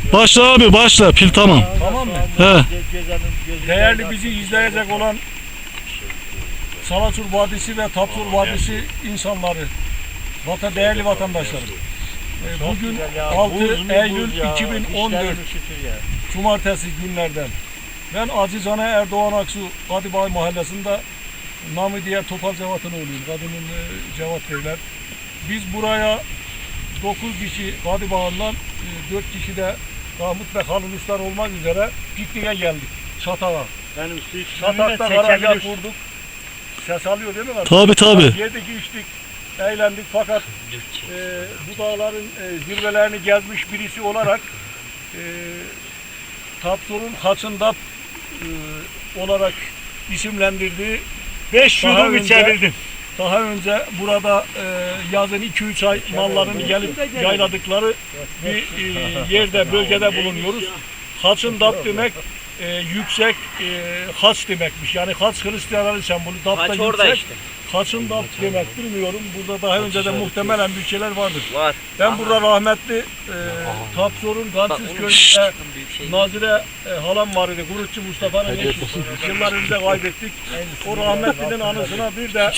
Başla abi başla. Pil tamam. Tamam mı? He. Değerli bizi izleyecek olan Salaçur Vadisi ve Tapsur Vadisi insanları, değerli vatandaşlarım. Bugün 6 Eylül 2014 Cumartesi günlerden. Ben Acizane Erdoğan Aksu Kadibağ Mahallesi'nde namı diğer Topal Cevat'ın oğluyum. Kadının Cevat derler. Biz buraya 9 kişi Kadibağ'ından 4 kişi de Mahmut ve Halil Uçlar olmak üzere pikniğe geldik. Çatak'a. Çatak'ta garajlar kurduk. Ses alıyor değil mi? Tabi tabi. Yedik içtik, eğlendik fakat bu dağların zirvelerini gezmiş birisi olarak Tapsur'un Haçındap olarak isimlendirdiği 5 yudum içebildim. Daha önce burada yazın 2-3 ay mallarını gelip yayladıkları bir yerde, bölgede bulunuyoruz. Haçındap demek yüksek haç demekmiş. Yani haç Hristiyanların sembolü. Dap da yüksek. Işte. Haçın dap demek bilmiyorum. Burada daha önce de muhtemelen bütçeler vardır. Var. Ben burada rahmetli Tapsur'un Gansiz köyünde Nazire halam var idi. Gurutçu Mustafa'nın eşi. Yıllar önce kaybettik. O rahmetlinin anısına bir de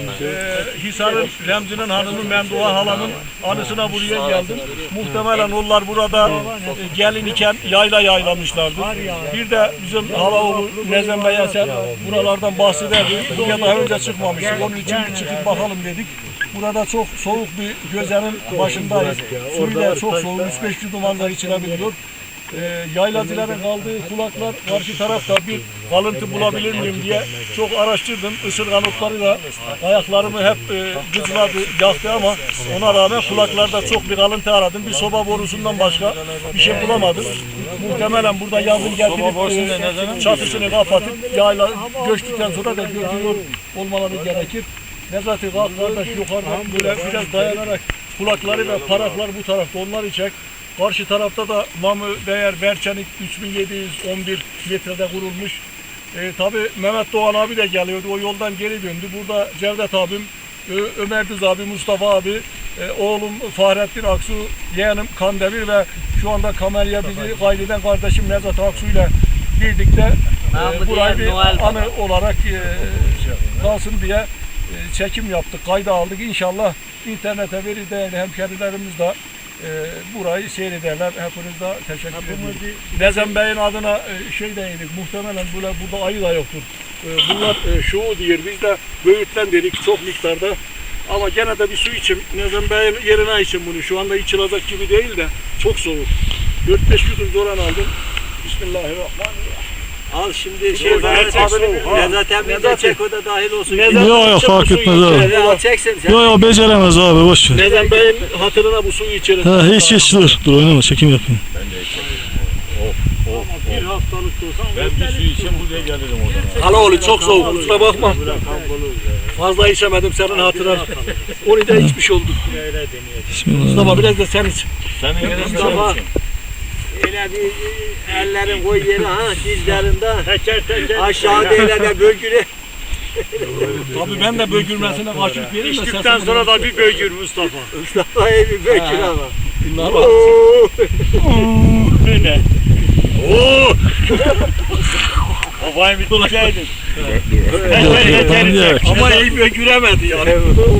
Hisar'ın Remzi'nin hanımı Memduha halamın anısına buraya geldim. Muhtemelen onlar burada gelin iken yayla yaylamışlardı. Bir de bizim halaoğlu Nezem Bey Eser buralardan bahsederdi. Buraya daha önce çıkmamıştık. Onun için bir çıkıp bakalım dedik. Burada çok soğuk bir gözenin başındayız. Suyu da çok soğuk. 3-5 yudum manzara içilebiliyor. Yaylacıların kaldığı kulaklar karşı tarafta bir kalıntı bulabilir miyim diye çok araştırdım. Isırgan otlarıyla ayaklarımı hep gıcladı, yaktı ama ona rağmen kulaklarda çok bir kalıntı aradım. Bir soba borusundan başka bir şey bulamadım. Muhtemelen burada yazın getirip çatısını kapatıp yayla göçtükten sonra da götürüyor olmaları gerekir. Nezati kalk kardeş yukarıdan böyle biraz dayanarak kulakları ve paraklar bu tarafta onları çek. Karşı tarafta da namı değer Berçenik 3711 metrede kurulmuş. Tabi Mehmet Doğan abi de geliyordu. O yoldan geri döndü. Burada Cevdet abim, Ömer Düz abi, Mustafa abi, oğlum Fahrettin Aksu, yeğenim Kandemir ve şu anda kameraya bizi kaydeden kardeşim Nezat Aksu ile birlikte burayı bir anı olarak kalsın diye çekim yaptık, kayda aldık. İnşallah internete verir değerli hemşerilerimiz de burayı seyrederler. Hepiniz de teşekkür ederim. Nezem Bey'in adına şey dedik, muhtemelen burada ayı da yoktur. Bunlar şuu diyor, biz de böğürtlen dedik çok miktarda. Ama gene de bir su içim. Nezem Bey'in yerine içim bunu. Şu anda içilecek gibi değil de çok soğuk. 4-5 yudum zoran aldım. Bismillahirrahmanirrahim. Al şimdi şey Nezahat emmi de çek o da dahil olsun. Yok fark etmez abi. Al çeksin sen. Yok beceremez abi boş ver. Nezem Bey'in hatırına bu suyu içelim. Hiç dur oynama çekim yapayım. Ben de içerim. Bir haftalık olsam Ben bir su içeyim buraya gelirim oradan. Halaoğlu çok soğuk kusura bakma. Fazla içemedim senin hatırına. Onu da içmiş oldum. Bismillah. Mustafa biraz da sen iç. Senin Mustafa. Öyle bir ellerin koy yere ha dizlerinde. Aşağıda öyle de bölgüne. Tabii ben de bögürmesine karşılık vereyim de içtikten sonra da bir bögür Mustafa. Mustafa'ya bir bölgür ama. Ne? Ooo! Kafayı bitirseydin. Ama iyi bögüremedi yani.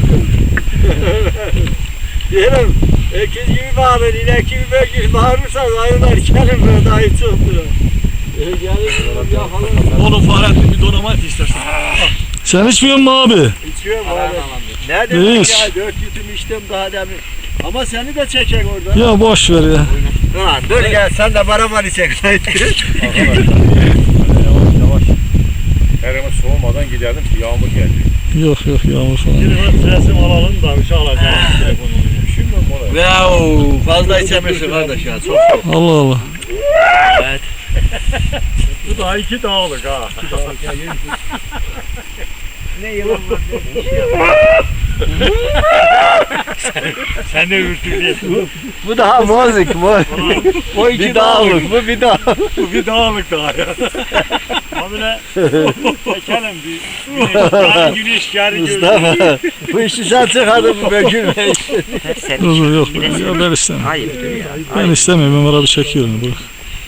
Diyelim, öküz gibi bağırır, inek gibi bölgür bağırırsan ayılar gelin böyle daha hiç yoktur. Gelin yakalım. Oğlum Fahrettin bir donamat istersen. Sen içmiyor musun abi? İçiyorum abi. Ne demek İç. ya 4 yudum içtim daha demin. Ama seni de çekek orada. Ya boş ver ya. Ha, dur gel sen de bana çek. Yavaş. Herimiz soğumadan gidelim ki yağmur geldi. Yok yağmur falan. Resim alalım da bir şey alacağım. Şimdi mola. Wow, fazla içemiyorsun kardeş ya. Çok soğuk. Allah Allah. Evet. Bu da 2 dağlık ha. Ne yılan var? Sen de ürtülüyorsun. Bu daha mozik mor. O iki Bir dağlık bu bir dağlık. Bu bir dağlık daha ya. Abine çekelim bir güneş yarı Mustafa bu işi sen çıkardın bu Bekir Bey. Dur yok ya ben istemem. Hayırdır ya. Ben istemiyorum Ömer abi çekiyor onu bırak.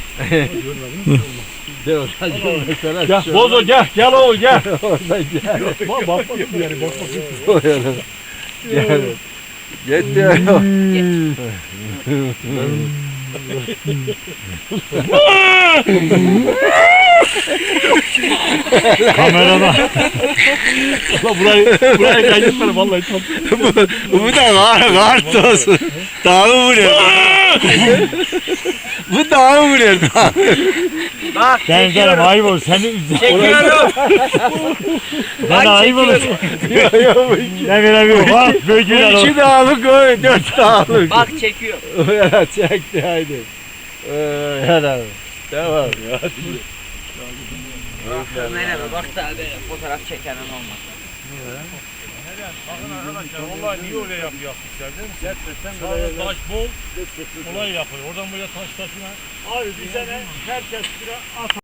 Gel Bozo gel oğul gel. Oradan gel. Bak bakmasın yani bakmasın. Gel. Git diyor. Kamerada. Ulan burayı kaydetmene vallahi tam. Bu da kart olsun. Dağı vuruyor. Bu dağı vuruyor. Bak Ben canım ayıp olur seni üzüldüm. çekiyorum. Ben ayıp olur. Ne veremiyorum bak bölgeler İki dağlık o, 4 dağlık. Bak çekiyor. Ya çekti haydi. Helal. Tamam. Merhaba bak da fotoğraf çekenin olmaz. Bakın arkadaşlar vallahi niye öyle yapmışlar değil mi? Sağda taş bol olay yapıyor. Oradan buraya taş taşına. Abi bir sene herkes bir at